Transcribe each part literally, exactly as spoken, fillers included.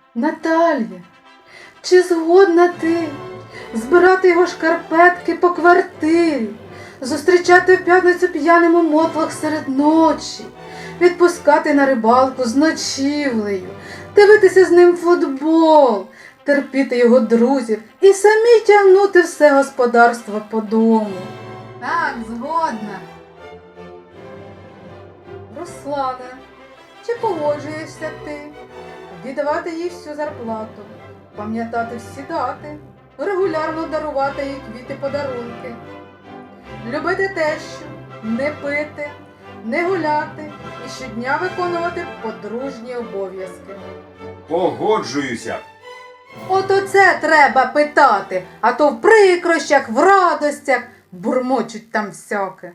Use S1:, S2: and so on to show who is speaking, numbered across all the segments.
S1: Наталія, чи згодна ти збирати його шкарпетки по квартирі, зустрічати в п'ятницю п'яним у мотлах серед ночі, відпускати на рибалку з ночівлею, дивитися з ним футбол, терпіти його друзів і самі тягнути все господарство по дому? Так, згодна. Руслане, чи погоджуєшся ти віддавати їй всю зарплату, пам'ятати всі дати, регулярно дарувати їй квіти-подарунки, любити тещу, не пити, не гуляти і щодня виконувати подружні обов'язки?
S2: Погоджуюся.
S1: От оце треба питати, а то в прикрощах, в радостях бурмочуть там всяке.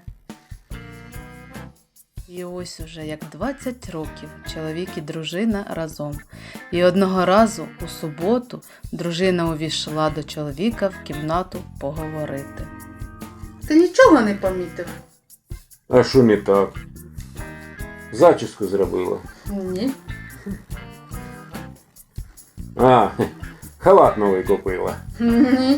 S3: І ось уже як двадцять років чоловік і дружина разом. І одного разу у суботу дружина увійшла до чоловіка в кімнату поговорити.
S1: Ти нічого не помітив?
S2: А що не так? Зачіску зробила.
S1: Ні.
S2: А, халат новий купила.
S1: Ні.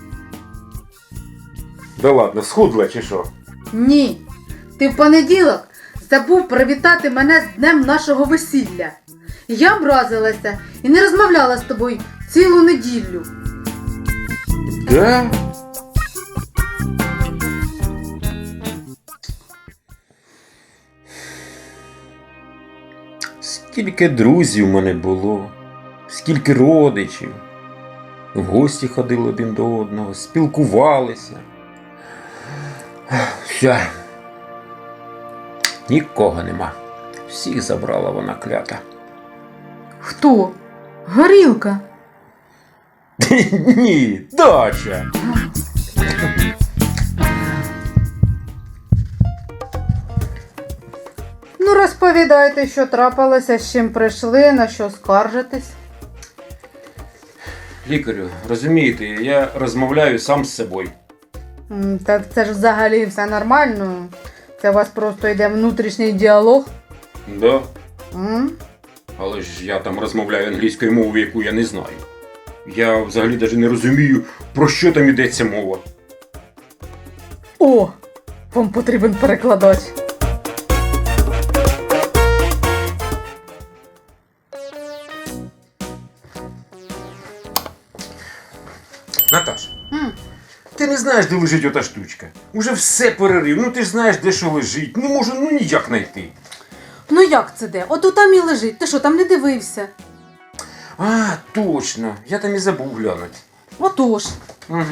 S2: Да ладно, схудла чи що?
S1: Ні. Ти в понеділок забув привітати мене з днем нашого весілля. Я образилася і не розмовляла з тобою цілу неділю.
S2: Да? Скільки друзів в мене було, скільки родичів. В гості ходили один до одного, спілкувалися. Все. Нікого нема. Всіх забрала вона клята.
S1: Хто? Горілка.
S2: Ні, дача.
S1: Ну, розповідайте, що трапилося, з чим прийшли, на що скаржитесь.
S2: Лікарю, розумієте, я розмовляю сам з собою.
S1: М, Так це ж взагалі все нормально. Це у вас просто йде внутрішній діалог.
S2: Да.
S1: М?
S2: Але ж я там розмовляю англійською мовою, яку я не знаю. Я взагалі навіть не розумію, про що там йдеться мова.
S1: О, вам потрібен перекладач.
S2: Наташ,
S1: М.
S2: ти не знаєш, де лежить ота штучка? Уже все перерив, ну ти ж знаєш, де що лежить. Не можу ну ніяк знайти.
S1: Ну як це де? От там і лежить. Ти що, там не дивився?
S2: А, точно, я там і забув глянути.
S1: Отож.
S2: Угу.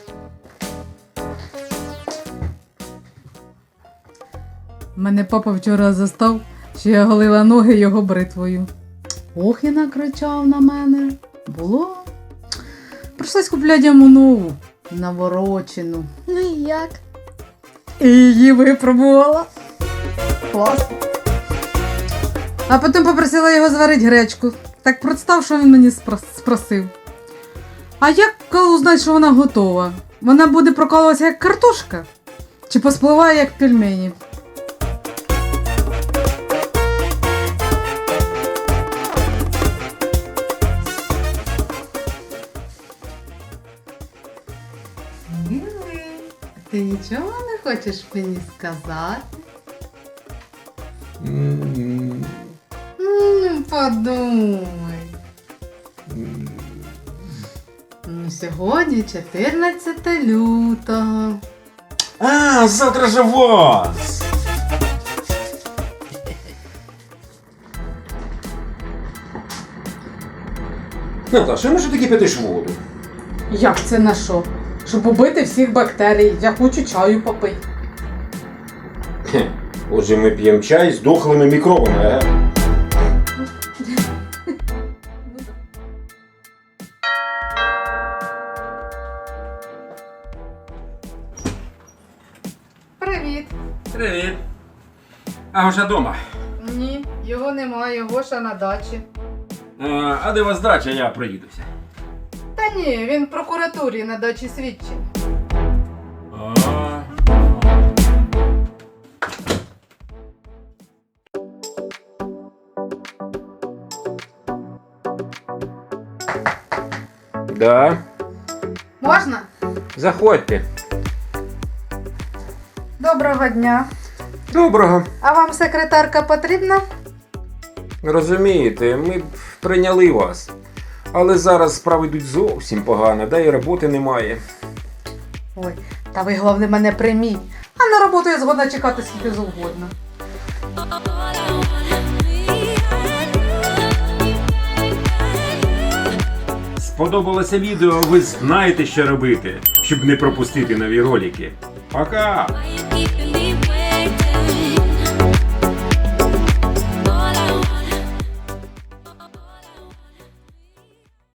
S1: Мене папа вчора застав, що я голила ноги його бритвою. Ох, і накричав на мене. Було. Прийшлось купляти йому нову, наворочену.
S4: Ну і як?
S1: І її випробувала. Класно. А потім попросила його зварити гречку. Так представ, що він мені спро- спросив. А як коли узнать, що вона готова? Вона буде прокалуватися як картошка? Чи поспливає як пельмені? Милий, ти нічого не хочеш мені сказати?
S2: М,
S1: М, Подумай. Ну, сьогодні чотирнадцяте лютого.
S2: А, завтра же вас! Наташа, ну що ти кипятиш воду?
S1: Як це на що? Щоб убити всіх бактерій. Я хочу чаю попити.
S2: Хе, отже, ми п'ємо чай з дохлими мікробами, ага.
S1: Привіт.
S2: Привіт. А Гоша дома?
S1: Ні, його немає, Гоша на дачі.
S2: А, а де у вас дача, я проїдуся.
S1: Та ні, він в прокуратурі на дачі слідчий.
S2: А. Да,
S1: Можна?
S2: заходьте.
S1: Доброго дня.
S2: Доброго.
S1: А вам секретарка потрібна?
S2: Розумієте, ми б прийняли вас. Але зараз справи йдуть зовсім погано, да і роботи немає.
S1: Ой, та ви головне мене прийміть. А на роботу я згодна чекати скільки завгодно.
S4: Сподобалося відео, ви знаєте, що робити, щоб не пропустити нові ролики. Пока!
S5: Why you keep